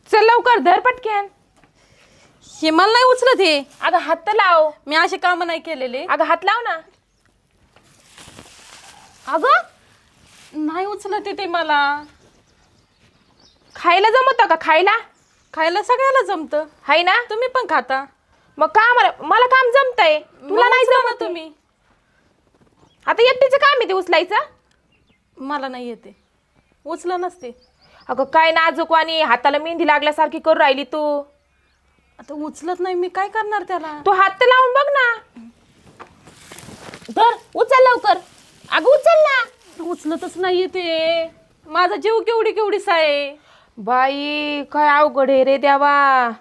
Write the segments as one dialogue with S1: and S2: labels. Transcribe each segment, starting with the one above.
S1: चल लवकर धर पटक्यान.
S2: हे मला नाही उचलत हे.
S1: अगं हात तर लाव.
S2: मी असे काम नाही केलेले.
S1: अगं हात लाव ना. अगं
S2: नाही उचलत ते मला.
S1: खायला जमतं का? खायला
S2: खायला सगळ्याला जमतं.
S1: हाय ना?
S2: तुम्ही पण खाता.
S1: मग का मला काम जमतंय, तुला नाही
S2: उचला ना
S1: जमत
S2: तुम्ही.
S1: आता एकटीचं काम आहे ते उचलायचं.
S2: मला नाही येते. उचला नसते.
S1: अगं काय नाजूक आणि हाताला मेहंदी लागल्यासारखी करू राहिली तू.
S2: आता उचलत नाही मी काय करणार त्याला.
S1: तू हात तर लावून बघ ना. धर उचल लवकर. अगं उचल ना.
S2: उचलतच नाहीये ते. माझा जीव केवढीसा आहे.
S1: बाई काय अवघड आहे रे देवा.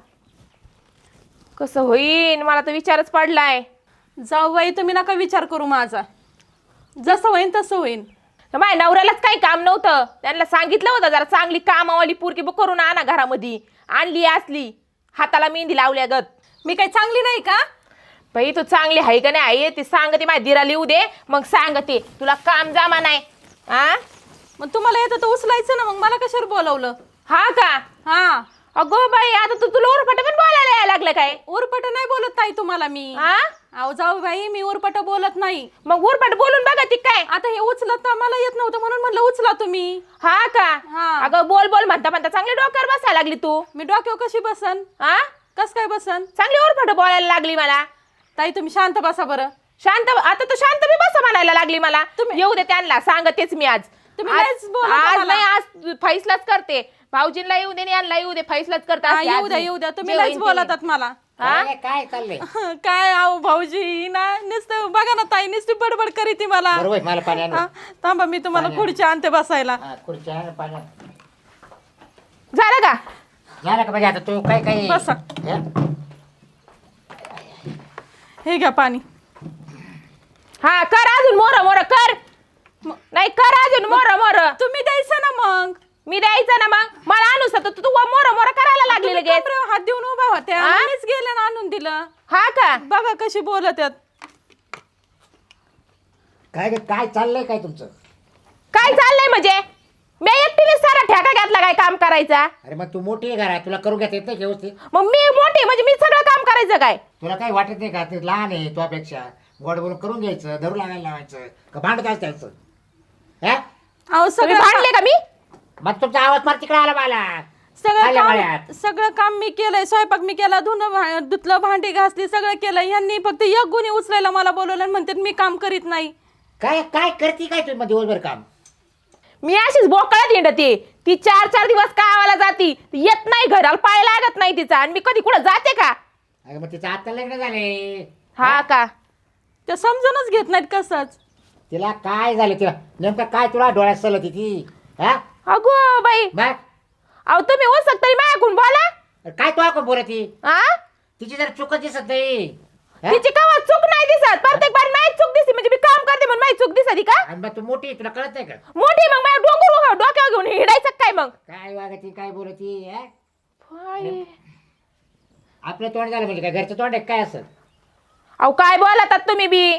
S1: कसं होईन मला तर विचारच पडलाय.
S2: जाऊ बाई तुम्ही नका विचार करू माझा. जसं होईन तसं होईन.
S1: माझ्या नवऱ्यालाच काही काम नव्हतं. त्यांना सांगितलं होतं जरा चांगली कामावाली पोरगी करून आणा घरामध्ये. आणली असली हाताला मेहंदी लावल्यागत.
S2: मी काही चांगली नाही का?
S1: बाई तू चांगली आहे का नाही आहे ते सांगते. माझ्या दिरा लिहू दे मग सांगते तुला काम जमा नाही. आ
S2: मग तुम्हाला येतं तर उचलायचं ना. मग मला कशावर बोलवलं?
S1: हा का?
S2: हा.
S1: अगो बाई आता तू तुला उरफाट पण बोलायला यायला लागलं काय?
S2: उरपट नाही बोलत ताई तुम्हाला मी.
S1: हा
S2: अहो जाऊ बाई मी उरपट बोलत नाही.
S1: मग उरफाट बोलून बघा ती काय.
S2: आता हे उचलत मला येत नव्हतं म्हणून म्हणलं उचला तुम्ही.
S1: हा का?
S2: हा.
S1: अगं बोल बोल म्हणता म्हणता चांगली डोक्यावर बसायला लागली तू.
S2: मी डोक्यावर कशी बसन?
S1: हा
S2: कस काय बसन?
S1: चांगली उरफाट बोलायला लागली मला.
S2: ताई तुम्ही शांत बसा बरं.
S1: शांत आता तू शांत बी बसा म्हणायला लागली मला. येऊ दे त्यांना सांगतेच मी आज.
S2: तुम्ही लयच बोलता
S1: आज
S2: मला.
S1: नाही आज फैसलाच करते. भाऊजींना येऊ दे यांना येऊ दे फैसलाच करता.
S2: हा, येऊ द्या तुम्ही लयच बोलतात मला.
S3: काय चाललंय?
S2: काय आहो भाऊजी ना नुसतं बघा ना ताई नुसती बडबड करी ती मला.
S3: बरोबर मला पाणी आण.
S2: हा, थांबा मी तुम्हाला खुर्ची आणते बसायला.
S3: खुर्ची आण, पाणी आण.
S1: झालं का?
S3: झालं का? म्हणजे आता तू काय काय
S2: बसा.
S3: हे?
S2: हे घ्या पाणी.
S1: हा कर अजून मोर मोर कर. नाही कर अजून मोर मोर.
S2: तुम्ही द्यायचं ना मग.
S1: मी द्यायचं ना मग. मला आणूस तर तू मोर मोर करायला लागली
S2: तुम्ही
S1: लगेच.
S2: कमरेवर हात देऊन उभा होत्या.
S1: हा?
S2: मीच गेले ना आणून दिलं.
S1: हा का?
S2: बघा कशी बोलत आहेत.
S3: काय चाललंय काय तुमचं?
S1: काय चाललंय म्हणजे? मी एकटीने सारा ठेका घातला काय काम करायचा.
S3: अरे मग तू मोठी आहे घरात, तुला करू घेता येत नाही व्यवस्थित?
S1: मग मी मोठी म्हणजे मी सगळं काम करायचं काय?
S3: तुला काही वाटत नाही का ते लहान आहे तुझ्यापेक्षा? गोड बोलून करून घ्यायचं, धरू लागायला लावायचं का भांडत असतायचं? हा
S2: अहो
S1: तुम्ही
S2: सगळं
S1: भांडले का मी?
S3: मग तुमचा आवाज फार तिकडे आला मला. आल्या मळ्यात.
S2: सगळं काम मी केलंय. स्वयंपाक मी केला, धुणं धुतलं, भांडी घासली, सगळं केलं. यांनी फक्त एक गुणी उचलायला मला बोलवलं आणि म्हणतात मी काम करीत नाही.
S3: काय काय करते काय तुम्ही मग दिवसभर काम?
S1: मी अशीच बोकळात हिंडते. ती 4-4 दिवस गावाला जाती. येत नाही घराला, पाय लागत नाही तिचा. आणि मी कधी कुठं जाते का?
S3: अरे मग तिचं आता लग्न झाले.
S1: हा का?
S2: ते समजूनच घेत नाहीत कसंच.
S3: तिला काय झालं? तिला नेमकं काय तुला डोळ्यात सलत ती? हा
S1: अगो बाई
S3: बघ
S1: अहो तुम्ही हो तरी माझ्याकडून बोला.
S3: काय तुला कोण बोलत ती?
S1: हा
S3: तिची जर चुकत दिसत नाही. हा?
S1: तिची कवा चूक नाही दिसत. प्रत्येक बार नाही चूक दिसते म्हणजे मी काम करते म्हणून माझी चूक दिसती का?
S3: आणि मग तू मोठी आहे, तुला कळत नाही का?
S1: मोठी मग माझ्या डोक्यावर घेऊन हिडायचं काय मग?
S3: काय वागती काय बोलती? हा?
S1: बाई.
S3: आपलं तोंड झालं म्हणजे काय घरचं तोंड आहे काय असं?
S1: अहो काय बोलतात तुम्ही बी?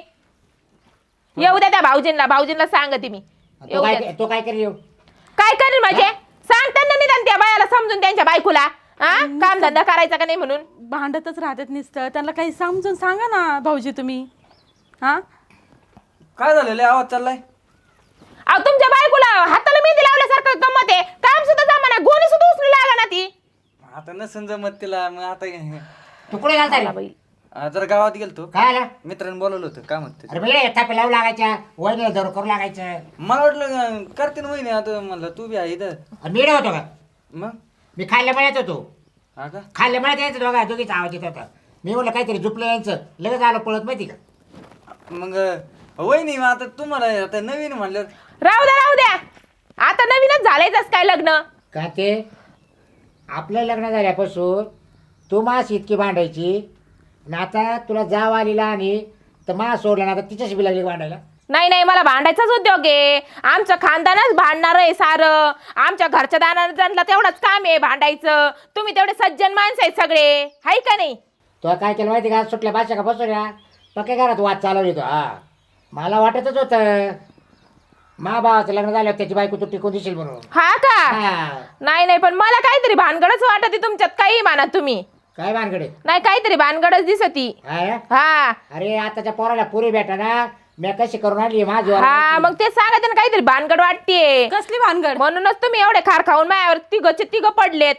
S1: येऊ द्या त्या भाऊजींना सांगते मी. येऊ द्या.
S3: तो काय करेल?
S1: काय करेल म्हणजे? सांग त्यांना निदान त्या बायाला समजून त्यांच्या बायकोला. हा काम धंदा करायचा का नाही म्हणून.
S2: भांडतच राहतात नुसतं. त्यांना काही समजून सांगा ना भाऊजी तुम्ही. हा
S4: काय झालेलं आवाज चाललाय?
S1: अहो तुमच्या बायकोला हाताला मेहंदी लावल्यासारखं गमत आहे. काम सुद्धा जमाना, गोणी सुद्धा उचलू लागा ना ती.
S4: आता नसन जमत तिला. मग आता
S3: तू कुठे घालता
S1: आला बाई.
S4: जरा गावात गेलतो.
S3: काय आला?
S4: मित्रांनी बोलवलं होतं काय म्हणते.
S3: अरे वेळ थापे लावू लागायच्या, वहिनीला जरूर करू लागायचं.
S4: मला वाटलं करते ना वहिनी. आता म्हणलं तू बी आहे इथं.
S3: आणि मी होतो का?
S4: मग
S3: मी खाल्ल्या मळ्यात होतो.
S4: हा का?
S3: खाल्ल्या मळ्यात यायचं दोघीचा आवाज येत होता. मी म्हणलं काहीतरी झुपलं यायचं, लगेच आलो पळत माहिती का?
S4: मग वहिनी मग आता तुम्हाला आता नवीन म्हणलं.
S1: राहू द्या. आता नवीनच झालायच काय लग्न?
S3: का ते आपलं लग्न झाल्यापासून तू मास इतकी भांडायची आणि आता तुला जाव आलेला आणि तर मास सोडला ना, आता तिच्याशी बी लागली भांडायला.
S1: नाही मला भांडायचाच उद्योग आहे. आमचं खानदानच भांडणार आहे सारं. आमच्या घरच्या दानाला तेवढंच काम आहे भांडायचं. तुम्ही तेवढे सज्जन माणसं आहेत सगळे, हाय का नाही?
S3: तो काय केलं माहिती का? सुटल्या भाषा का बसवल्या पक्या घरात वाद चालवली तो. हा मला वाटतच होतं मा भावाचं लग्न झालं त्याची बायको तू टिकून दिशील म्हणून.
S1: हा का?
S3: हा.
S1: नाही पण मला काहीतरी भानगडच वाटत तुमच्यात, काही म्हणा तुम्ही.
S3: काय भानगडे?
S1: नाही काहीतरी भानगडच दिसती. हा
S3: अरे आताच्या पोराला पुरी भेटा ना, मी कशी करून आणली माझी.
S1: हा मग ते सांगा ना, काहीतरी भानगड वाटतेय.
S2: कसली भानगड?
S1: म्हणूनच तुम्ही एवढे खार खाऊन माझ्यावर तिघ पडलेत.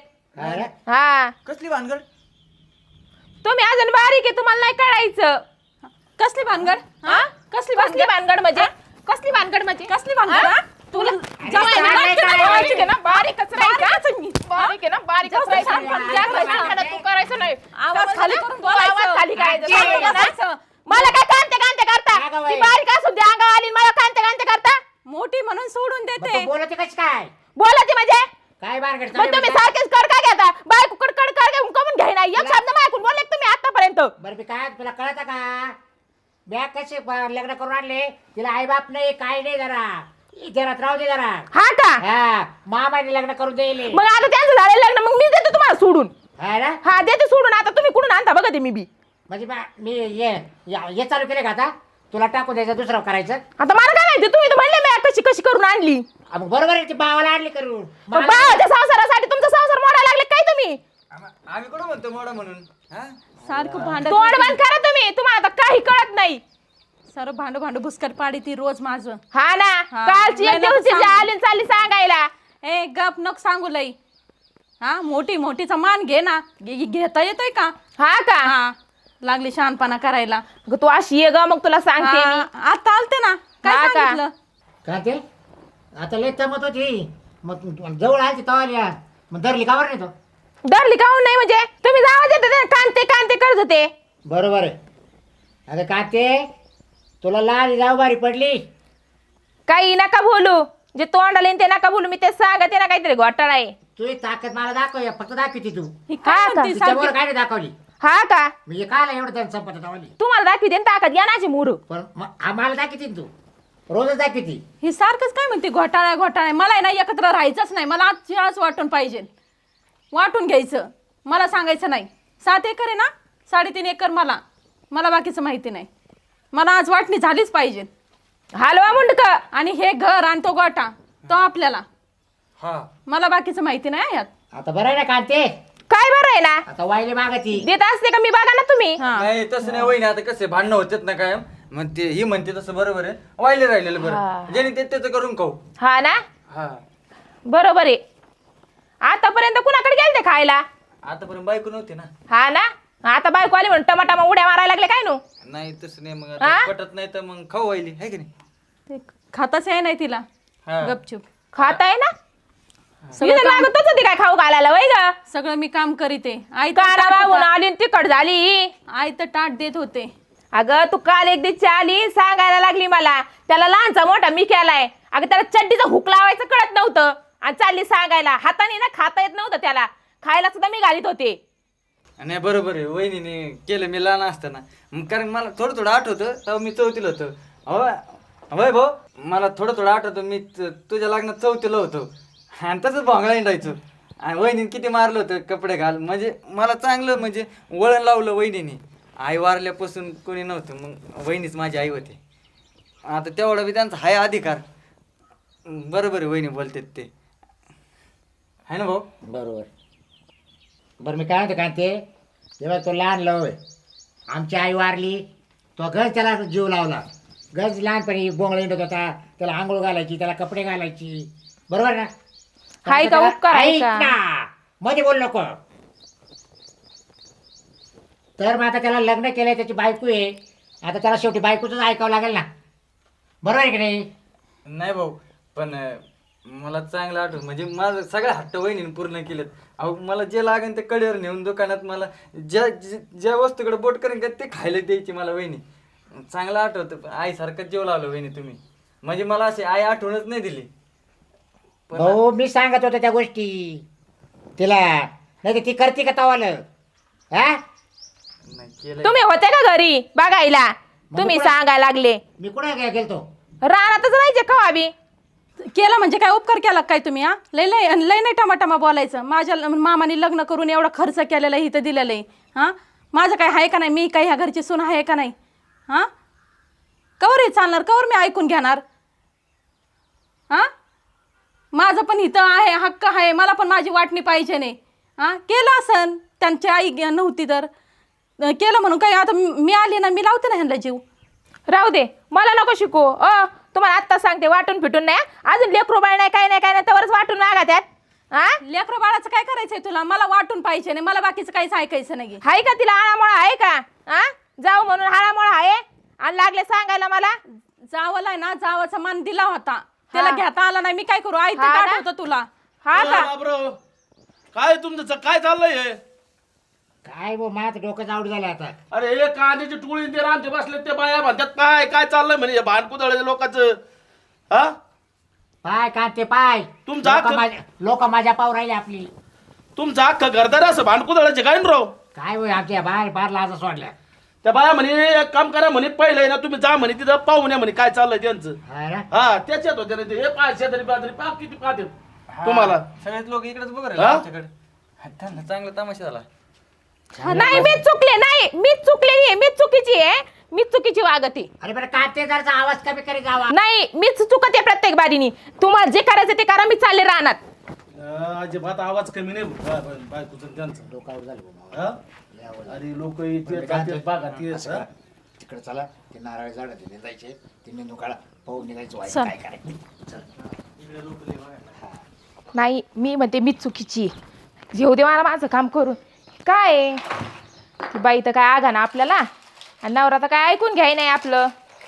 S1: हा
S4: कसली भानगड?
S1: तुम्ही अजून बारीक आहे, तुम्हाला नाही कळायचं.
S2: कसली भानगड?
S1: हा? कसली भानगड म्हणजे? कसली भानगड म्हणजे?
S2: कसली भानगड?
S1: हा?
S2: हा? तुला जास्त
S3: काय
S2: नाटकं
S3: काय
S2: नाही करायची.
S1: बारीक आहे ना, बारीकच राहायचं. बारीक आहे ना, बारीकच
S2: जास्त
S1: राहायचं.
S2: शानपण
S1: जास्त
S2: करायचं.
S1: भानगड तू करायचं नाही.
S2: आवाज खाली
S1: समजलं?
S2: करून
S1: तू आवाज
S2: बोलायचं.
S1: खाली करायचं.
S3: आजी.
S1: समजलं ना?
S2: बसायचं.
S1: मला काय कांते करता?
S3: अगं
S1: ती
S3: बाई.
S1: बारीक असून ती अंगावर आली, मला कांते करता?
S2: मोठी म्हणून सोडून देते.
S3: बोलते कशी काय?
S1: बोलती म्हणजे?
S3: काय भानगड?
S1: मग तुम्ही सारखेच कड काय घेता? बायको कड घेऊन कमून घ्यायना. एक शब्द माझ्याकडून बोलले का तुम्ही आतापर्यंत?
S3: बरं मी काय तुला कळत का? बॅग कसे लग्न करून आणले, तिला आई बाप नाही काय नाही, जरा राहू दे जरा.
S1: हा का?
S3: हा मामाने लग्न करून देईल.
S1: मग आता त्यांचं झालेलं लग्न, मग मी देते तुम्हाला सोडून.
S3: हा ना?
S1: हा देते सोडून. आता तुम्ही कुठून आणता बघा ते मी बी.
S3: म्हणजे मी हे चालू केले का आता? तुला टाकून द्यायचं, दुसरं करायचं.
S1: आता मला काय माहिती, तुम्ही तर म्हणले मी कशी करून आणली.
S3: मग बरोबर आहे, ती भावाला आणली करून.
S1: मग बाळाच्या संसारासाठी तुमचा संसार मोडायला लागले काय तुम्ही?
S4: आम्ही कुठं म्हणतो मोडा म्हणून? हा?
S2: सारखं भांडत
S1: तोंड बंद करा तुम्ही, तुम्हाला आता काही कळत नाही.
S2: सारं भांडू भुसकर पाडी ती रोज माझं.
S1: हा ना,
S2: हा.
S1: कालची एक
S2: नाही नको
S1: दिवशी
S2: सांगू.
S1: आली आणि चालली सांगायला.
S2: ए गप नको सांगू लई. हा मोठीचा मान घे ना. घेता येतोय का?
S1: हा का?
S2: हा लागली शहाणपणा करायला.
S1: ग तू अशी ये ग, मग तुला सांगते मी.
S2: हा, आता आलते ना. काय
S1: हा का?
S2: सांगितलं?
S3: का ते आता लय तमत होती, मग जवळ आली तवाल्या, मग धरली कावर नाही तो.
S1: डरली काहून नाही म्हणजे? तुम्ही जावा देते कांते करत होते.
S3: बरोबर आहे. अगं का ते तुला लाल जाऊ बारी पडली.
S1: काही नका बोलू, जे तोंडाला येईन ते नका बोलू. मी ते सांगते ना, काहीतरी घोटाळा आहे.
S3: तुझी ताकद मला दाखव, फक्त दाखवती तू.
S2: ही काय
S1: हा का?
S2: म्हणती
S3: तिच्यावर
S2: सारखी?
S3: काय नाही दाखवली.
S1: हा का?
S3: म्हणजे कायला एवढं त्यांनी संपत तवाली.
S1: तुम्हाला दाखवते ना ताकद, या नाची मुरू.
S3: पण आम्हाला दाखवती तू, रोजच दाखवती.
S2: ही सारखंच काय म्हणते घोटाळा. मला आहे ना एकत्र राहायचंच नाही. मला आजची आज वाटून पाहिजे. वाटून घ्यायचं. मला सांगायचं नाही. 7 एकर आहे ना, 3.5 एकर मला बाकीचं माहिती नाही. मला आज वाटणी झालीच पाहिजे.
S1: हलवा मुंडक.
S2: आणि हे घर आणि तो गोटा तो आपल्याला.
S4: हा.
S2: मला बाकीचं माहिती नाही यात.
S3: आता बरं आहे ना कांते?
S1: काय बरं आहे ना?
S3: आता वायले मागती.
S1: देत असते का मी, बघा ना तुम्ही.
S2: हा.
S4: नाही तसं नाही वहिनी, आता कसे भांडणं होतात ना काय, मग ते ही म्हणते तसं बरोबर आहे. वाहिले राहिलेलं
S1: हा.
S4: बरं, ज्याने ते त्याचं करून खाऊ.
S1: हा ना,
S4: हा.
S1: बरोबर आहे. आतापर्यंत कुणाकडे गेलते खायला?
S4: आतापर्यंत बायको नव्हती ना.
S1: हा ना, आता बायको आली म्हणून टमाटा उड्या मारायला लागले काय नो?
S4: नाही तसं नाही, मग
S1: हा?
S4: आता पटत नाही तर मग खाऊ वाहिली आहे की नाही.
S2: ते खाताच आहे नाही तिला.
S4: हा.
S2: गपचूप
S1: खाताय ना?
S2: सगळं
S1: इथं
S2: काम-
S1: लागतच होती काय खाऊ घालायला, वय ग?
S2: सगळं मी काम करीते. आई
S1: काना बाबून आली आणि तिखट झाली.
S2: तर ताट देत होते.
S1: अगं तू काल एक दिवशी आली, सांगायला लागली मला त्याला लहानचा मोठा मी केलाय. अगं त्याला चड्डीचा हुक लावायचं कळत नव्हतं आणि चालली सांगायला. हाताने ना खाता येत नव्हतं त्याला, खायला सुद्धा मी घालीत होते.
S4: नाही बरोबर आहे, वहिनीने केलं मी लहान असताना. मग कारण मला थोडं आठवतं, तेव्हा मी 4थीला होतो. होय भाऊ, मला थोडं आठवतं, मी तुझ्या लग्नात 4थीला होतो आणि तसंच भोंगळा हिंडायचो. आणि वहिनीने किती मारलं होतं कपडे घाल, म्हणजे मला चांगलं म्हणजे वळण लावलं वहिनीने. आई वारल्यापासून कोणी नव्हतं, मग वहिनीच माझी आई होती. आता तेवढा बी त्यांचा हाय अधिकार. बरोबर आहे, वहिनी बोलतात ते आहे ना भाऊ.
S3: बरोबर. बरं मी काय म्हणतो कांते, तेव्हा तो लहान लव आहे. आमची आई वारली, तो गज त्याला जीव लावला. गज लहानपणी बोंगळा हिंडत होता, त्याला आंघोळ घालायची, त्याला कपडे घालायची. बरोबर ना?
S1: हाय का उपकार आहे
S3: ऐक
S1: का?
S3: ना, मध्ये बोल नको. तर मग आता त्याला लग्न केलंय, त्याची बायको आहे. आता त्याला शेवटी बायकोच ऐकावं लागेल ना, बरोबर आहे की नाही?
S4: नाही भाऊ, पण मला चांगलं आठवत, म्हणजे माझं सगळ्या हट्ट वहिनीने पूर्ण केलेत. अहो मला जे लागेल ते कडेवर नेऊन दुकानात मला ज्या वस्तूकडे बोट करेन का ते खायला द्यायची मला वहिनी. चांगलं आठवतं. आईसारखंच जेव लावलं वहिनी तुम्ही, म्हणजे मला अशी आई आठवणच नाही दिली.
S3: भाऊ मी सांगत होतो त्या गोष्टी तिला, नाही तर ती करते का तवालं? हा
S4: नाही केलं.
S1: तुम्ही होते का घरी बघायला? तुम्ही
S3: कुठं-
S1: सांगायला लागले.
S3: मी कुठे गेलतो?
S1: रानातच राहायचे का आम्ही?
S2: केला म्हणजे काय उपकार केला काय तुम्ही? हा लय नाही टमाटमा बोलायचं. माझ्या मामाने लग्न करून एवढा खर्च केलेला आहे, इथं दिलेलं आहे. हां माझं काय आहे का नाही? मी काही ह्या घरची सून आहे का नाही? हां कवर हे चालणार? कवर मी ऐकून घेणार? हां माझं पण हितं आहे, हक्क आहे, मला पण माझी वाटणी पाहिजे नाही. हां केलं असन, त्यांची आई नव्हती तर केलं म्हणून काही. आता मी आली ना, मी लावते ना ह्यांना जीव.
S1: राहू दे, मला नको शिकू. तुम्हाला आत्ता सांगते, वाटून फिटून नाही. अजून लेकरू बाळ नाही, काय नाही, काय नाही, त्यावरच वाटून मागा त्यात. हा
S2: लेकरं बाळाचं काय करायचंय तुला? मला वाटून पाहिजे नाही, मला बाकीचं काहीच ऐकायचं नाही.
S1: आहे का तिला आळामोळा आहे का? हा जाऊ म्हणून हाळामोळा आहे आणि लागले सांगायला मला.
S2: जावला आहे ना, जावाचा मान दिला होता, त्याला घेता आला नाही. मी काय करू? आई ते
S1: हा ना?
S2: ताट होतं तुला.
S1: हा का?
S5: बाबराव, काय तुमचं काय चाललंय हे?
S3: काय बो माझं डोकं जाऊड झालं आता.
S5: अरे हे कांद्याची टोळी ते रांधे बसले ते बाया म्हणतात काय काय चाललंय म्हणे भानकुदळ लोकांचं. हा
S3: पाय कांते पाय.
S5: तुमचा
S3: लोक माझ्या पाव राहिले आपली.
S5: तुमचं अख्खं घरदार असं भानकुदळाचे काय न राव.
S3: काय होय आमच्या बाहेर बाहेर लाजा सोडल्या.
S5: त्या बाया म्हणे एक काम करा म्हणे, पहिलं ना तुम्ही जा म्हणे तिथं पाहून या म्हणे काय चाललंय त्यांचं.
S3: हा ना?
S5: हा त्याच्यात होते ना ते. हे पाय शेजारी पाजारी पाक किती पाहते तुम्हाला.
S4: सगळेच लोक इकडेच बघ
S5: हा?
S4: आमच्याकडे. त्यांना चांगला तमाशा झाला.
S1: नाही मीच चुकले, नाही मीच चुकलेली आहे, मीच चुकीची आहे, मीच चुकीची वागते.
S3: अरे बरं कांते जरचा आवाज कमी करी जावा.
S1: नाही मीच चुकते प्रत्येक बारीनी. तुम्हाला जे करायचं ते करा, मी चालले राहणार.
S5: अजिबात आवाज कमी नाही बायकोचं त्यांचं.
S3: डोकं आऊट झालं बो.
S5: हा? अरे लोक इथे जातात बागा ते
S3: तिकडे चला, ते नारळ झाड ते जायचे, ते निंदू काढा, पाहून निघायचं व्हायचं
S2: चल.
S3: काय करायचं.
S1: नाही मी म्हणते मीच चुकीची आहे. घेऊ दे मला माझं काम करून. काय आहे? ती बाई तर काय आगा ना आपल्याला, आणि नवरा तर काय ऐकून घ्याय नाही आपलं.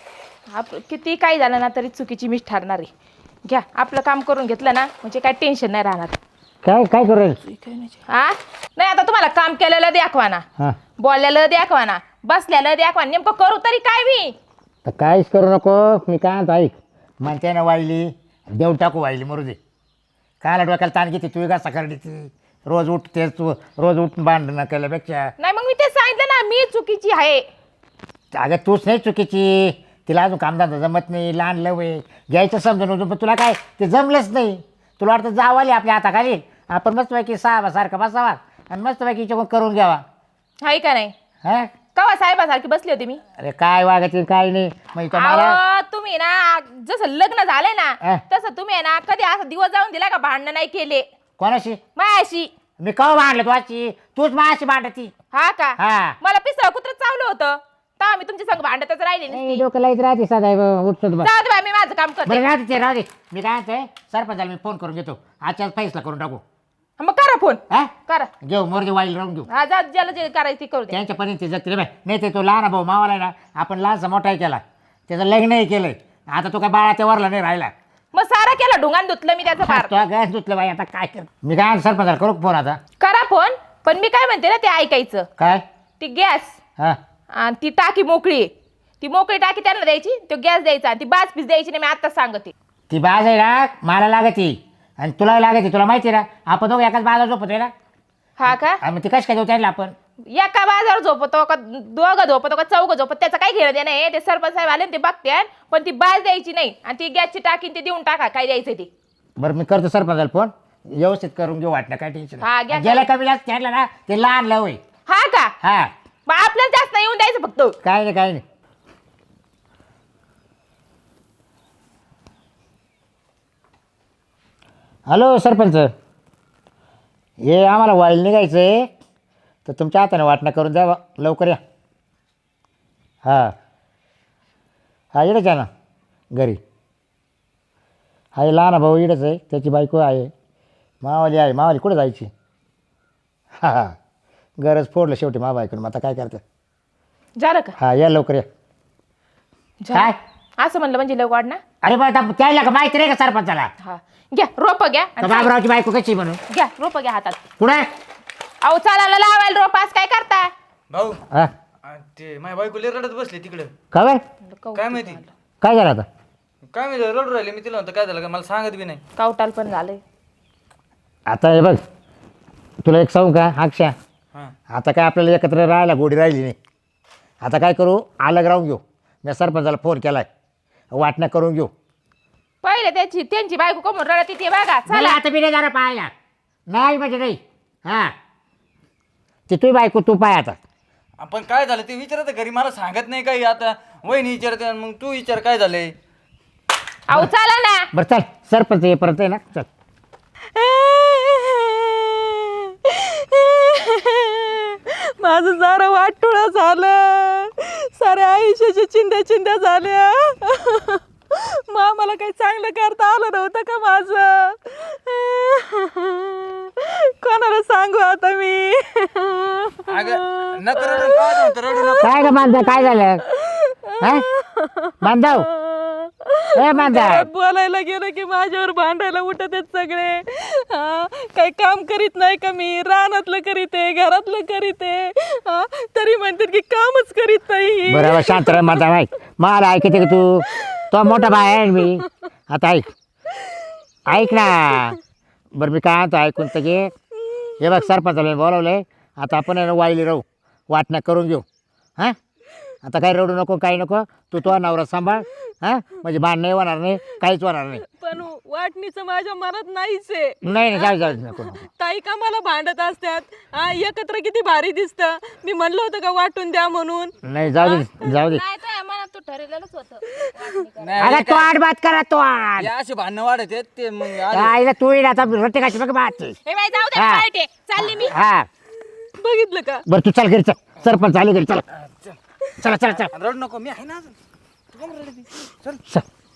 S1: किती काही झालं ना तरी चुकीची मीच ठरणार आहे. घ्या आपलं काम करून घेतलं ना म्हणजे काय टेन्शन नाही राहणार.
S3: काय काय करेल.
S1: हा नाही आता तुम्हाला काम केलेलं दाखवा ना,
S3: हा
S1: बोललेलं दाखवा ना, बसलेलं दाखवा. नेमकं करू तरी काय मी?
S3: तर काहीच करू नको. मी काय म्हणतो ऐक, म्हणते ना वाहिली देव टाकू वाहिली मरू दे. कायला डोक्याला ताण घेते तू का सकाळी ती रोज उठते तू, रोज उठून भांडणं केल्यापेक्षा.
S1: नाही मग मी ते सांगितलं ना, मी चुकीची आहे.
S3: अगं तूच नाही चुकीची, तिला अजून कामधंदा जमत नाही, लहान लवय घ्यायचं समजून होतं, पण तुला काय ते जमलंच नाही. तुला वाटतं जावाली आपल्या हाताखाली, आपण मस्तपैकी सारखं बसावा आणि मस्तपैकी हिच्याकडून करून घ्यावा.
S1: आहे का नाही?
S3: हा
S1: कवा साहेबासारखी बसली होती मी.
S3: अरे काय वागायचं काय नाही. मग मला
S1: अहो, तुम्ही ना जसं लग्न झालंय ना
S3: अं?
S1: तसं तुम्ही आहे ना कधी असं दिवस जाऊन दिला का भांडणं नाही केले
S3: कोणाशी
S1: मायाशी.
S3: मी कवा भांडलं तुझी, तूच माझ्याशी भांडती.
S1: हा का?
S3: हा
S1: मला पिसळ कुत्र चावलं होतं तेव्हा मी तुमच्या संग भांडतच राहिले नाही.
S3: डोकं लाईत राहते सदा उठतो बस.
S1: जाऊ दे बाई, मी माझं काम करते.
S3: बरं राहते ते राहते. मी काय म्हणतोय सरपंचाला मी फोन करून घेतो, आजच्याच फैसला करून टाकू.
S1: मग करा फोन,
S3: हा
S1: करा.
S3: घेऊ मोरजे वाईल राहून घेऊ.
S1: हा जा, ज्याला जे करायचं ते करू दे.
S3: त्यांच्यापर्यंत ते जगते रे बाय. नाही ते तो लहान भाऊ मावाला आहे ना, आपण लहानसा मोठाही केला, त्याचं लग्नही केलंय. आता तो काय बाळाच्या वरला नाही राहिला.
S1: मग सारा केला ढुंगान धुतलं मी त्याचं फार.
S3: तो गॅस धुतलं बाई. आता काय कर. मी काय सरपंचाला करू फोन आता.
S1: करा फोन, पण मी काय म्हणते ना ते ऐकायचं.
S3: काय
S1: ती गॅस
S3: हा
S1: आणि ती टाकी मोकळी आहे. ती मोकळी टाकी त्यांना द्यायची, तो गॅस द्यायचा आणि ती बाज पीस द्यायची नाही. मी आत्ताच सांगते.
S3: ती बाज आहे ना मला लागती आणि तुला लागती. तुला माहिती आहे ना आपण दोघं एकाच बाजार झोपतोय ना.
S1: हा का?
S3: आणि मग ती कशी काय देऊ त्यांना आपण.
S1: एका बाजावर झोपतो का दोघं झोपतो का चौघं झोपत त्याचं काही घेणं देणं आहे. ते सरपंच साहेब आले ना, ते बघते. पण ती बाज द्यायची नाही आणि ती गॅसची टाकी ते देऊन टाका काय द्यायचं ते.
S3: बरं मी करतो सरपंचाला फोन, व्यवस्थित करून घेऊ. वाटणं काय टेन्शन
S1: हा, घ्या.
S3: गेल्या कमी जास्त त्यांना ना ते लहान लव आहे.
S1: हा का?
S3: हा
S1: मग आपल्याला जास्त नाही येऊन द्यायचं फक्त.
S3: काय नाही काय नाही. हॅलो सरपंच, हे आम्हाला वाईल निघायचं आहे, तर तुमच्या हाताने वाटणं करून द्यावा लवकर या. हां हा इडंच आहे ना घरी. हा हे लहान भाऊ इडंच आहे, त्याची बायको आहे, मावाली आहे. मावाली कुठं जायची. हां हां गरज फोडलं शेवटी मा बायकोनं. मग आता काय करतं.
S1: झालं का?
S3: हा या लवकर या.
S1: झालं.
S3: काय
S1: असं म्हणलं म्हणजे लव वाढ ना.
S3: अरे बरं त्याला का माहिती नाही का सरपंचाला.
S1: हा घ्या रोप घ्या
S3: तर
S1: आणि
S3: बाबरावची बायको कशी म्हणून
S1: घ्या रोप घ्या हातात.
S3: कुठे.
S1: अहो चालायला लावायला रोप आज काय करता?
S4: भाऊ
S3: हा
S4: ते माझ्या बायको लय रडत बसले तिकडं.
S3: का बरं
S4: काय माहिती
S3: काय झालं आता.
S4: काय माहिती रडू राहिले. मी तिला म्हणतो काय झालं का मला सांगत बी नाही.
S1: कावटाल पण झालंय.
S3: आता हे बघ तुला एक सांगू का अक्षा,
S4: हां
S3: आता काय आपल्याला एकत्र राहायला गोडी राहिली नाही. आता काय करू अलग राहून घेऊ. मी सरपंचाला फोन केलाय, वाटणं करून घेऊ.
S1: पहिले त्यांची बायको कमून रडत ते बघा.
S3: मला
S1: चला
S3: आता मी नाही जाणार पाहायला. नाही म्हणजे नाही. हां ती तुझी बायको तू पाय आता.
S4: आपण काय झालं ते विचारत घरी मला सांगत नाही काही. आता वहिनी विचारते मग तू विचार काय झालंय.
S1: अहो चला ना.
S3: बरं चल सरपंच येईपर्यंत आहे ना चल.
S2: माझं सारं वाटोळं झालं, साऱ्या आयुष्याच्या चिंध्या झाल्या. मला काही चांगलं करता आलं नव्हतं का माझं? कोणाला सांगू आता मी?
S4: अगं नको रडू, काय म्हणतो, रडू नको.
S3: काय ग बांधा काय झालं हा बांधव ए बांधा
S2: घरात बोलायला गेलं की माझ्यावर भांडायला उठत आहेत सगळे. काही काम करीत नाही का मी? रानातलं करीते, घरातलं करीते, तरी म्हणतात की कामच करीत नाही.
S3: बरोबर शांत राह माझा भाई. मला ऐकते का तू? तो मोठा भाई आहे मी. आता ऐक ना. बरं मी काय म्हणतो ऐकून तर घे. हे बघ सरपंचाला बोलावलंय. आता आपण आहे ना वाईली राहू, वाटण्या करून घेऊ. हां आता काही रडू नको काही नको. तू नवरा सांभाळ. हां म्हणजे भांडण नाही होणार नाही, काहीच होणार नाही.
S2: पण वाटणीचं माझ्या मनात नाहीच आहे.
S3: नाही जाऊ नको नको.
S2: ताई का मला भांडत असतात. एकत्र किती भारी दिसतं. मी म्हणलं होतं का वाटून द्या म्हणून.
S3: नाही जाऊ दे जाऊ दे.
S1: नाही तर मनात तू ठरलेलंच होतं.
S4: नाही,
S3: अगं
S4: हे
S3: तो
S4: काय-
S3: आड बात करा तो आड.
S4: हे असे भांडणं वाढत आहेत ते मग
S3: आईला तू येईल आता रोटे काशी बघ बात.
S1: हे बाई जाऊ दे
S3: हा.
S1: वाईट आहे. चालली मी.
S3: हा
S2: बघितलं का?
S3: बरं तू चल घरी चल. सरपंच आले घरी चला चला चला चला
S4: रडू नको, मी आहे ना अजून. तू का बरं रडती? चल.
S3: चल.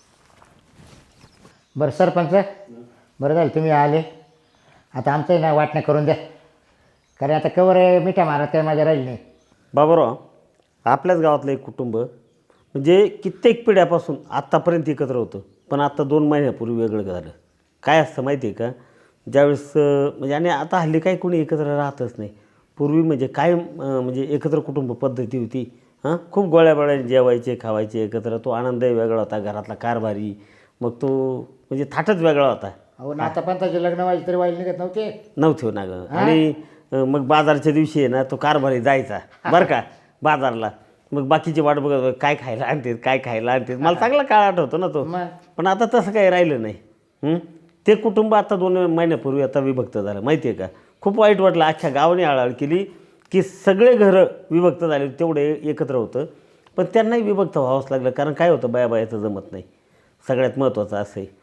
S3: बरं सरपंच बरं झालं तुम्ही आले. आता आमचं आहे ना वाटणं करून द्या. कारण आता कवर मिठा मारत काही माझ्या राहील नाही.
S6: बाबाराव आपल्याच गावातलं एक कुटुंब म्हणजे कित्येक पिढ्यापासून आत्तापर्यंत एकत्र होतं, पण आत्ता 2 महिन्यापूर्वी वेगळं झालं. काय असतं माहिती आहे का? ज्यावेळेस म्हणजे आणि आता हल्ली काही कोणी एकत्र राहतच नाही. पूर्वी म्हणजे काय म्हणजे एकत्र कुटुंब पद्धती होती. खूप गोळ्याबोळ्याने जेवायचे खावायचे एकत्र. तो आनंदही वेगळा होता, घरातला कारभारी. मग तो म्हणजे थाटच वेगळा होता.
S3: अहो नाता पंताचे लग्न व्हायचे तरी वाईल निघत नव्हते.
S6: ना गं. आणि मग बाजारच्या दिवशी आहे ना तो कारभारी जायचा बरं का बाजारला. मग बाकीची वाट बघत काय खायला आणतात काय खायला आणतात. मला चांगला काळ आठवतो ना तो. पण आता तसं काही राहिलं नाही. ते कुटुंब आता 2 महिन्यापूर्वी आता विभक्त झालं माहिती आहे का? खूप वाईट वाटलं. अख्ख्या गावाने आळाळ केली की सगळे घरं विभक्त झाले. तेवढे एकत्र होतं पण त्यांनाही विभक्त व्हावंच लागलं. कारण काय होतं बायाचं जमत नाही. सगळ्यात महत्त्वाचं असं आहे.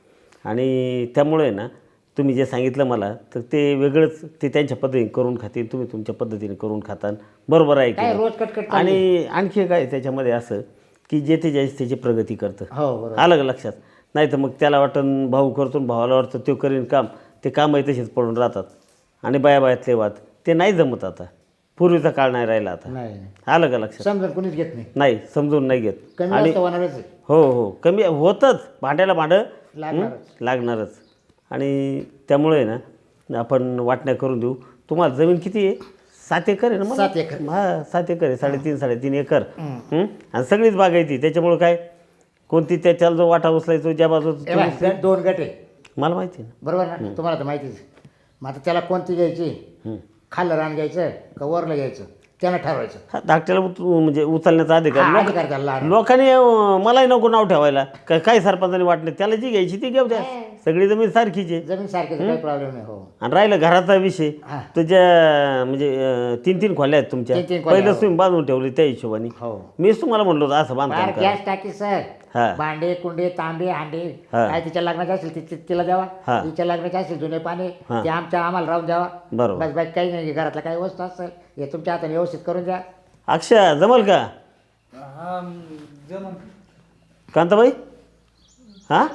S6: आणि त्यामुळे ना तुम्ही जे सांगितलं मला तर ते वेगळंच ते त्यांच्या पद्धतीने करून खातील, तुम्ही तुमच्या पद्धतीने करून खाताल. बरोबर आहे
S3: काय
S6: की
S3: रोज कटकट चालली.
S6: आणि आणखी काय त्याच्यामध्ये असं की जे ते ज्याची त्याची प्रगती करतं.
S3: हो बरोबर.
S6: आलं का लक्षात? नाही तर मग त्याला वाटतं भाऊ करतो भावाला वाटतं तो करीन काम. ते कामही तसेच पडून राहतात. आणि बायातले वाद ते नाही जमत आता. पूर्वीचा काळ नाही राहिला आता.
S3: नाही
S6: आलं का लक्षात?
S3: समजून कोणीच घेत नाही.
S6: नाही समजून नाही घेत.
S3: कमी
S6: आणि
S3: जास्त होणारच आहे.
S6: हो कमी होतंच. भांड्याला भांडं
S3: लागणारच.
S6: लागणारच. आणि त्यामुळे ना आपण वाटण्या करून देऊ. तुम्हाला जमीन किती आहे? 7 एकर आहे ना? मग
S3: 7 एकर.
S6: हां 7 एकर आहे. 3.5 एकर. आणि सगळीच बागायती. त्याच्यामुळे काय कोणती त्याच्याला जो वाटा उचलायचो ज्या बाजूचा
S3: हे बघ, 2 गट आहे
S6: मला माहिती आहे
S3: बरोबर ना? तुम्हाला तर माहितीच आहे. मग आता त्याला कोणती घ्यायची? खाल्लं रान घ्यायचं का वरलं घ्यायचं त्यानं ठरवायचं.
S6: ना. धाकट्याला म्हणजे उचलण्याचा अधिकार
S3: हा, अधिकार त्याला लहान.
S6: लोकांनी मलाही नको नाव ठेवायला. काय सरपंचाने वाटणे त्याला जी घ्यायची ती घेऊ द्या. सगळी जमीन सारखीच आहे.
S3: जमीन सारखीच काही प्रॉब्लेम नाही. हो
S6: आणि राहिलं घराचा विषय
S3: हा.
S6: तुझ्या म्हणजे 3 खोल्या आहेत तुमच्या.
S3: 3 खोल्या,
S6: पहिलंच
S3: हो.
S6: तुम्ही बांधून ठेवले त्या हिशोबाने.
S3: हो
S6: मीच तुम्हाला म्हणलो होतं असं बांधकाम
S3: बाहेर
S6: करा.
S3: गॅस टाकी सर.
S6: हा.
S3: भांडे कुंडे तांबे हांडे
S6: हा.
S3: काय तिच्या लग्नाचे असेल तिला द्यावा.
S6: हा.
S3: तिच्या लग्नाचे असेल जुने पाणी
S6: हा.
S3: ते आम्हाला राहून द्यावा.
S6: बरोबर.
S3: बस बाकी काही नाही. घरातला काही वस्तू असेल हे तुमच्या हाताने व्यवस्थित करून द्या.
S6: अक्षय जमल का
S4: हा जमन.
S6: कांताबाई? हां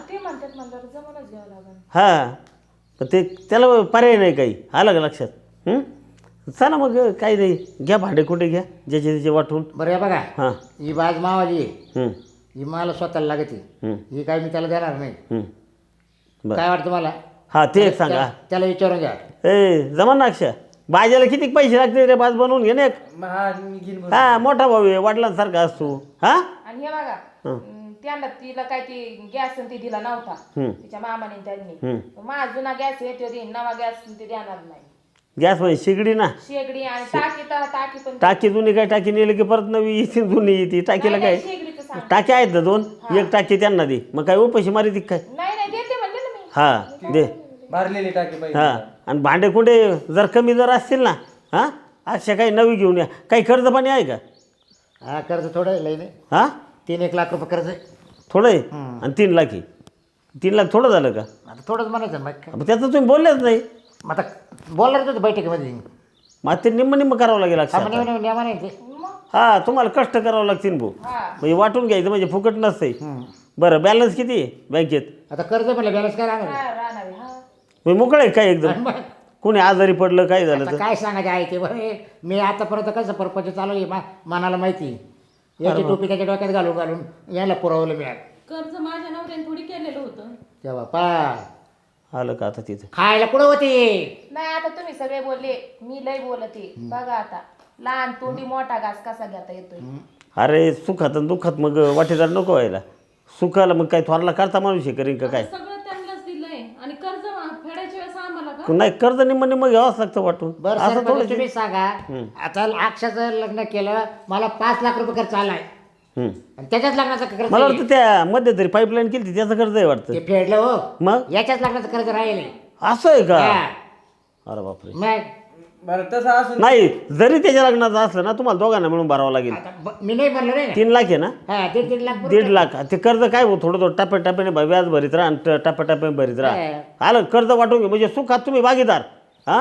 S6: हां पण ते त्याला पर्याय नाही काही. आलं का लक्षात? चला मग काही नाही. घ्या भांडे कुठे घ्या ज्याचे त्याचे वाटून.
S3: बरं हे बघा
S6: हां
S3: ही बाज मावाली आहे.
S6: हं,
S3: ही मला स्वतःला लागते.
S6: हं,
S3: ही काय मी त्याला देणार नाही.
S6: हं. बरं
S3: काय वाटतं मला?
S6: हां ते एक सांगा.
S3: त्याला विचारून घ्या.
S6: ए जमन ना अक्षय? बाजाला किती पैसे लागते रे बाज बनवून घे ना एक.
S4: हा मी घेईन बरं.
S6: हा मोठा भाऊ आहे वडिलांसारखा असतो. हा
S1: आणि हे बघा त्यांना तिला काय ती गॅस ती दिला नव्हता तिच्या मामाने त्यांनी. माझा जुना गॅस येतो देईन नवा गॅस ते देणार नाही.
S6: गॅस म्हणजे शेगडी ना.
S1: शेगडी आणि टाकी तर टाकी पण
S6: टाकी जुनी काय टाकी नेली की परत नवी येते जुनी येते. टाकीला काय
S1: शेगडीचं सांग.
S6: टाकी आहेत ना 2. एक टाकी त्यांना दे. मग काय उपाशी मारी ती काय?
S1: नाही नाही देते म्हणले ना मी.
S6: हा दे.
S4: भरलेली टाकी पाहिजे.
S6: हा आणि भांडे कुंडे जर कमी जर असतील ना हां अशा काही नवी घेऊन या. काही कर्ज पाणी आहे का?
S3: हा कर्ज थोडं आहे, लई नाही.
S6: हां
S3: 3-1 लाख रुपये कर्ज आहे.
S6: थोडं आहे आणि 3 लाख आहे. 3 लाख थोडं झालं का?
S3: आता थोडंच म्हणायचं मग काय.
S6: मग त्याचं तुम्ही बोललेच नाही.
S3: मग आता बोलणार होतं बैठकीमध्ये.
S6: मग ते निम्म करावं लागेल अक्षय आता.
S3: म्हणायचे
S6: हा तुम्हाला कष्ट करावं लागतील भाऊ. म्हणजे वाटून घ्यायचं म्हणजे फुकट नसते. बरं बॅलन्स किती आहे बँकेत?
S3: आता कर्ज म्हणलं बॅलन्स काय राहणार आहे?
S1: राहणार हा.
S6: मी मोकळं आहे काय एकदम?
S3: मग
S6: कोणी आजारी पडलं काय झालं
S3: आता
S6: तर?
S3: काय सांगायचं आहे ते बरं. मी आतापर्यंत कसं परपंच चालवली मनाला माहिती. याची टोपी त्याच्या डोक्यात घालून याला पुरवलं मी आज.
S2: कर्ज माझ्या नवऱ्याने थोडी केलेलं होतं.
S3: तेव्हा पा
S6: आलं का आता तिथं?
S3: खायला कुठं होती?
S1: नाही आता तुम्ही सगळे बोलले, मी लय बोलते. बघा आता लहान तोंडी मोठा घास कसा घेता येतोय.
S6: अरे सुखात आणि दुःखात मग वाटेदार नको व्हायला. सुखाला मग काय थोरला करता माणूस हे करीन का काय?
S2: सगळं त्यांनाच दिलंय आणि कर्ज फेडायच्या वेळेस आम्हाला का?
S6: नाही कर्ज निम्म घ्यावंच लागतं वाटून.
S3: बरं
S6: असं
S3: सरपंच
S6: थोडं
S3: तुम्ही सांगा. आता अक्षाचं लग्न केलं, मला 5 लाख रुपये खर्च आलाय आणि त्याच्याच लग्नाचा खर्च
S6: मला
S3: आहे.
S6: वाटतं त्या मध्ये तरी पाईपलाईन केली त्याचं कर्ज आहे वाटतं.
S3: ते फेडलं हो.
S6: मग
S3: याच्याच लग्नाचं कर्ज राहिले.
S6: असं आहे का?
S3: हा.
S6: अरे बापरे.
S3: मग
S4: बरं तसं असून
S6: नाही जरी त्याच्या लग्नाचं असलं ना तुम्हाला दोघांना मिळून भरावं लागेल.
S3: आता मी नाही म्हणलो रे.
S6: 3 लाख आहे ना?
S3: हा 1.5 लाख
S6: 1.5 लाख ते कर्ज काय हो थोडं टप्प्याटप्प्याने व्याज भरीत राहा आणि टप्प्याटप्प्याने भरीत राहा. आलं कर्ज वाटून घे म्हणजे सुखात तुम्ही भागीदार हा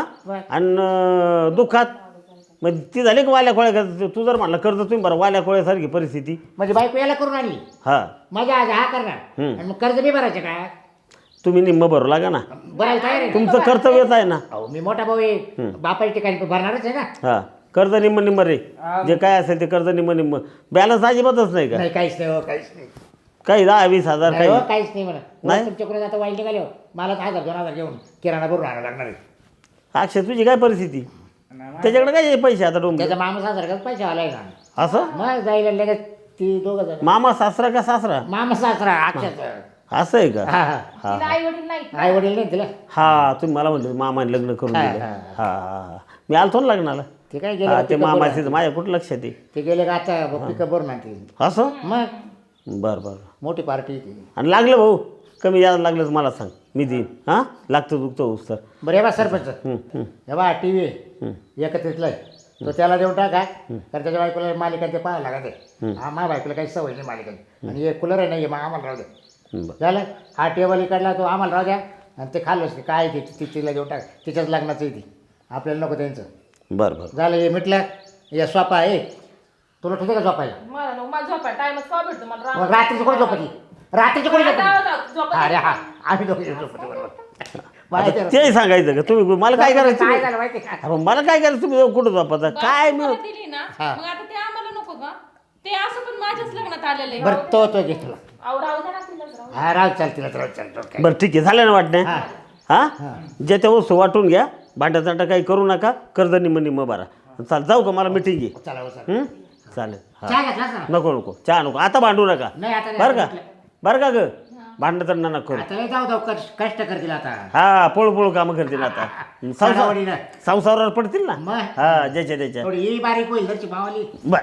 S6: आणि दुःखात म्हणजे ती झाली का वाल्या खोळ्या. तू जर म्हणलं कर्ज तुम्ही बरं वाल्या खोळ्यासारखी परिस्थिती.
S3: म्हणजे बायको याला करून आणली.
S6: हा
S3: माझ्या आज हा करणार आणि मग कर्ज मी भरायचं का?
S6: तुम्ही निम्म भरू लागा ना.
S3: भरायला तयार आहे.
S6: तुमचं कर्तव्यच आहे ना.
S3: अहो मी मोठा भाऊ आहे. बापाच्या ठिकाणी भरणारच आहे ना.
S6: हा कर्ज निम्म रे जे काय असेल ते कर्ज निम्म बॅलन्स अजिबातच नाही का?
S3: नाही काहीच नाही हो, काहीच नाही.
S6: काही 10-20 हजार
S3: नाही
S6: काही
S3: हो, काहीच नाही म्हणा.
S6: नाही?
S3: तुमच्याकडे आता वाईट निघाले हो. मला 1000-2000 घेऊन किराणा भरून आणावं लागणार आहे.
S6: अक्षय तुझी काय परिस्थिती? त्याच्याकडे काय पैसे आता डोंब
S3: त्याचा मामा सासरा पैसे आलाय ना.
S6: असं
S3: मग जायला लगेच ती 2 जण.
S6: मामा सासरा का सासरा
S3: मामा सासरा अक्षाचा.
S6: असं आहे का?
S3: हा हा
S6: हा
S1: तिला आई वडील नाही.
S3: आई वडील नाही तिला.
S6: हा तुम्ही मला म्हणले मामाने लग्न करून
S3: हा,
S6: दिलं.
S3: हा,
S6: हा हा मी आलतो ना लग्नाला.
S3: ते काय
S6: हा
S3: गेले
S6: ते मामाचे माझ्या कुठं लक्षात आहे.
S3: ते गेले का आता पिकअप भरून आणते.
S6: असं
S3: मग
S6: बरं बरं.
S3: मोठी पार्टी ती.
S6: आणि लागलं भाऊ कमी जास्त लागलं तर मला सांग मी देईन. हां लागतं दुखतं होऊस तर.
S3: बरं हे बा सरपंच.
S6: हं.
S3: हे बा टी व्ही एकत्रितलाय तो त्याला देऊन टाका. कारण त्याच्या बायकोला मालिका ते पाहायला लागत आहे. माझ्या बायकोला काही सवय नाही मालिकाची. आणि एक कूलर आहे नाही मग आम्हाला राहू द्या.
S6: बरं
S3: झालं हा टेबल इकडला तो आम्हाला राहू द्या. आणि ते खाल्लंच नाही काय ते तिला देऊन टाक. तिच्याच लग्नाचं आहे ती. आपल्याला नको त्यांचं.
S6: बरं बरं.
S3: झालं हे मिटलं. या सोपा आहे तुला ठेवते का झोपायला?
S1: मला नको, मला झोपा टाइमच का भेटतो मला
S3: मग रात्रीचं कोण झोपती? रात्रीचं कोण झोपती?
S1: झोपा.
S3: अरे हा आम्ही दोघे झोपतो बरोबर. माहिती आहे ना?
S6: तेही सांगायचं का तुम्ही मला काय करायचं
S3: काय
S6: तुम्ही?
S3: झालं माहिती आहे का?
S6: अहो, मला काय करायचं तुम्ही कुठं झोपाता काय मी
S2: तुम्हाला दिली ना मग आता ते आम्हाला नको का? ते असं पण माझ्याच लग्नात आलेलं आहे.
S3: बरं तो घे तुला.
S1: अहो राहू दे ना तिलाच राहू दे.
S3: हा राव चाल तिला राव चाल काय.
S6: बरं ठीक आहे झालं ना वाटणे.
S3: हा.
S6: हां जे त्या वस्तू वाटून घ्या. भांड्याचाटा काही करू नका. कर्ज निम्म भरा. चाल जाऊ का मला मिटिंग आहे.
S3: चला हो, चला.
S6: चालेल हा
S3: चहा घेतलास ना?
S6: नको चहा नको आता भांडू नका.
S3: नाही आता नाही,
S6: बरं का
S3: आता
S6: बरं का ग भांडण नका करू.
S3: आता नाही जाऊ कष्ट करतील आता.
S6: हा पळू कामं करतील आता.
S3: सणावारीला.
S6: संसारावर पडतील ना.
S3: मग?
S6: हा ज्याच्या त्याच्या.
S3: थोडी ही बारीक होईल घरची मावाली.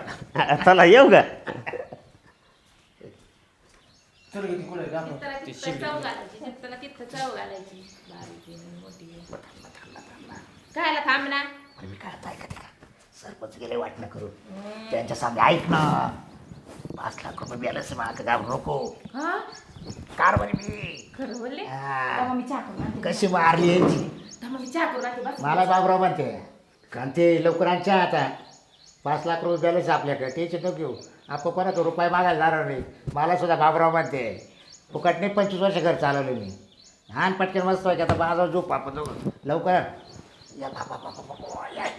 S6: बर चला येऊ का?
S1: तिथं चव घालायची, तिथं चव घालायची. बारीक आहे, मोठी आहे. कायला थांब ना.
S3: मी काय आता ऐकते का? सरपंच गेले वाटणं करू त्यांच्या सामने ऐक ना. 5 लाख रुपये बॅलन्स माग घाबरू नको.
S1: हा
S3: कार बरी मी
S1: खरं बोलले.
S3: हा.
S1: तेव्हा मी चहा करून आणते.
S3: कशी मारली यांची.
S1: तेव्हा मी चहा करून आणते बस.
S3: मला बाबराव म्हणते कारण ते लवकरांच्या आता 5 लाख रुपये बॅलन्स आपल्याकडे टेन्शन नको घेऊ. आपण कोणाचा रुपये मागायला जाणार नाही. मला सुद्धा बाबराव म्हणते फुकट नाही 25 वर्ष घर चालवलं मी. लहान पटकन मस्त व्हायचे आता माझा झोप आपण लवकर या बाबा